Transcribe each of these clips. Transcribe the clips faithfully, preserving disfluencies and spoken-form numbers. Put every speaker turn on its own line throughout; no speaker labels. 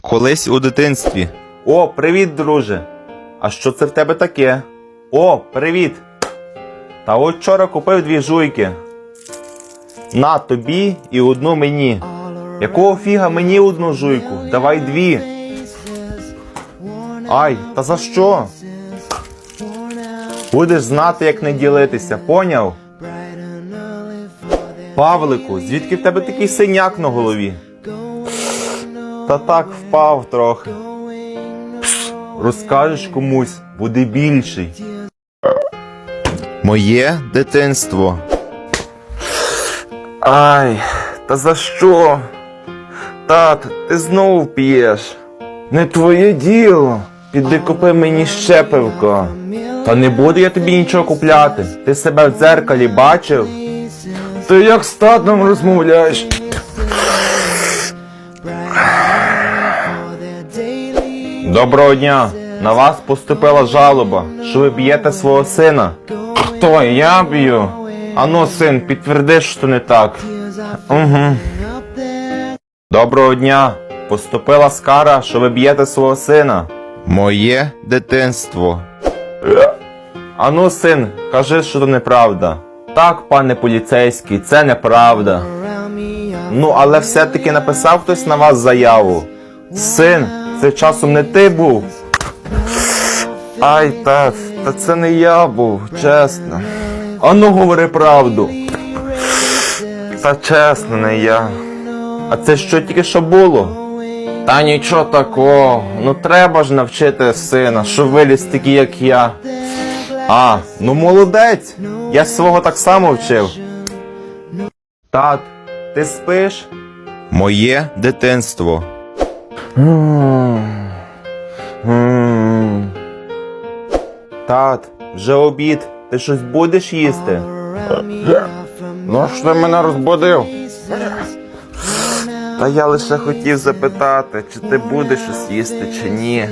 Колись у дитинстві.
О, привіт, друже. А що це в тебе таке? О, привіт. Та от вчора купив дві жуйки. На тобі і одну мені. Якого фіга мені одну жуйку? Давай дві. Ай, та за що? Будеш знати, як не ділитися, поняв? Павлику, звідки в тебе такий синяк на голові? Та так впав трохи. Пс, розкажеш комусь, буде більший.
Моє дитинство.
Ай, та за що? Тат, ти знову п'єш. Не твоє діло. Піди купи мені ще пивко. Та не буду я тобі нічого купляти. Ти себе в дзеркалі бачив? Ти як з татом розмовляєш? Доброго дня. На вас поступила жалоба, що ви б'єте свого сина. Хто? Я б'ю? Ану, син, підтверди, що не так. Угу. Доброго дня. Поступила скара, що ви б'єте свого сина.
Моє дитинство.
Ану, син, кажи, що то неправда. Так, пане поліцейський, це неправда. Ну, але все-таки написав хтось на вас заяву. Син, це часом не ти був? Ай, та, та це не я був, чесно. Ану, говори правду. Та чесно, не я. А це що тільки що було? Та нічого такого. Ну треба ж навчити сина, що виліз такий, як я. А, ну молодець. Я свого так само вчив. Тат, ти спиш?
Моє дитинство.
Тат, вже обід. Ти щось будеш їсти? Ну ж ти мене розбудив? Та я лише хотів запитати, чи ти будеш щось їсти, чи ні.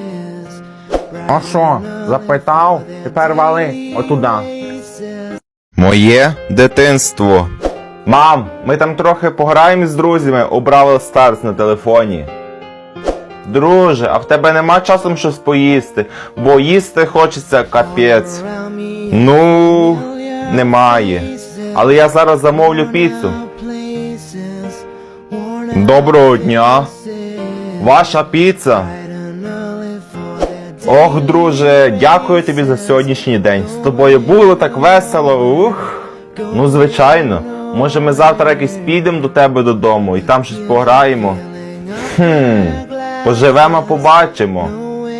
А що, запитав? Тепер вали отуда.
Моє дитинство.
Мам, ми там трохи пограємо з друзями у Бравл Старс на телефоні. Друже, а в тебе нема часом щось поїсти, бо їсти хочеться капець. Ну, немає. Але я зараз замовлю піцу. Доброго дня. Ваша піца. Ох, друже, дякую тобі за сьогоднішній день. З тобою було так весело. Ух. Ну, звичайно. Може ми завтра якось підемо до тебе додому і там щось пограємо. Хм. Поживемо, побачимо.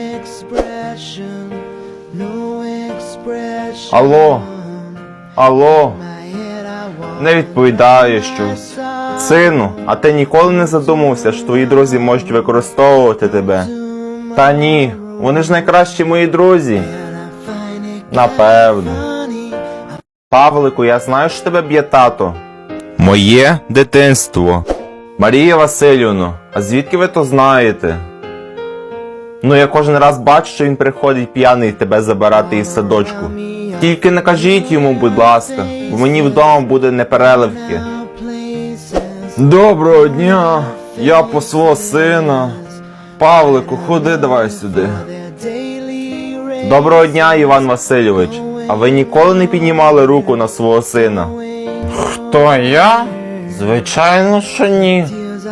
Алло. Алло. Не відповідає щось. Сину, а ти ніколи не задумався, що твої друзі можуть використовувати тебе? Та ні, вони ж найкращі мої друзі. Напевно. Павлику, я знаю, що тебе б'є тато.
Моє дитинство.
Марія Васильівно, а звідки ви то знаєте? Ну, я кожен раз бачу, що він приходить п'яний тебе забирати із садочку. Тільки не кажіть йому, будь ласка, бо мені вдома буде непереливки. Доброго дня, я по свого сина. Павлику, ходи давай сюди. Доброго дня, Іван Васильович. А ви ніколи не піднімали руку на свого сина? Хто, я? Звичайно, що ні.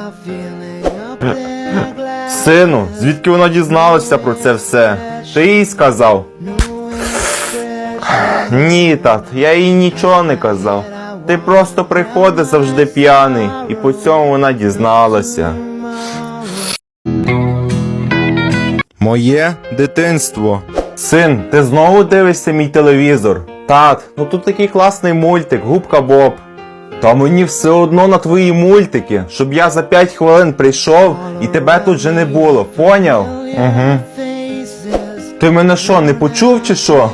Сину, звідки вона дізналася про це все? Ти їй сказав? Ні, тат, я їй нічого не казав. Ти просто приходиш завжди п'яний, і по цьому вона дізналася.
Моє дитинство.
Син, ти знову дивишся мій телевізор? Тат, ну тут такий класний мультик, Губка Боб. Та мені все одно на твої мультики, щоб я за п'ять хвилин прийшов і тебе тут же не було, поняв? Угу. Ти мене що, не почув чи що?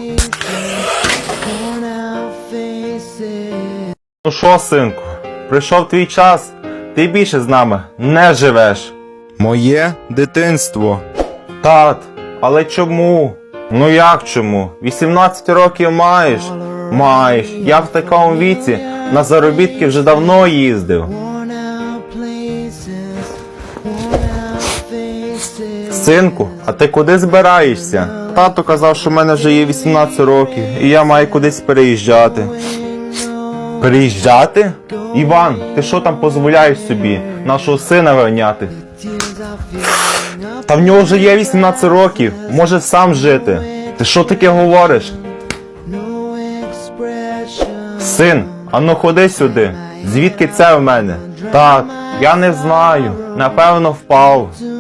Ну що, синку, прийшов твій час, ти більше з нами не живеш.
Моє дитинство.
Тат, але чому? Ну як чому? вісімнадцять років маєш? Маєш. Я в такому віці на заробітки вже давно їздив. Синку, а ти куди збираєшся? Тато казав, що в мене вже є вісімнадцять років, і я маю кудись переїжджати. Переїжджати? Іван, ти що там дозволяєш собі нашого сина виганяти? Та в нього вже є вісімнадцять років, може сам жити. Ти що таке говориш? Син, ану ходи сюди. Звідки це в мене? Так, я не знаю. Напевно, впав.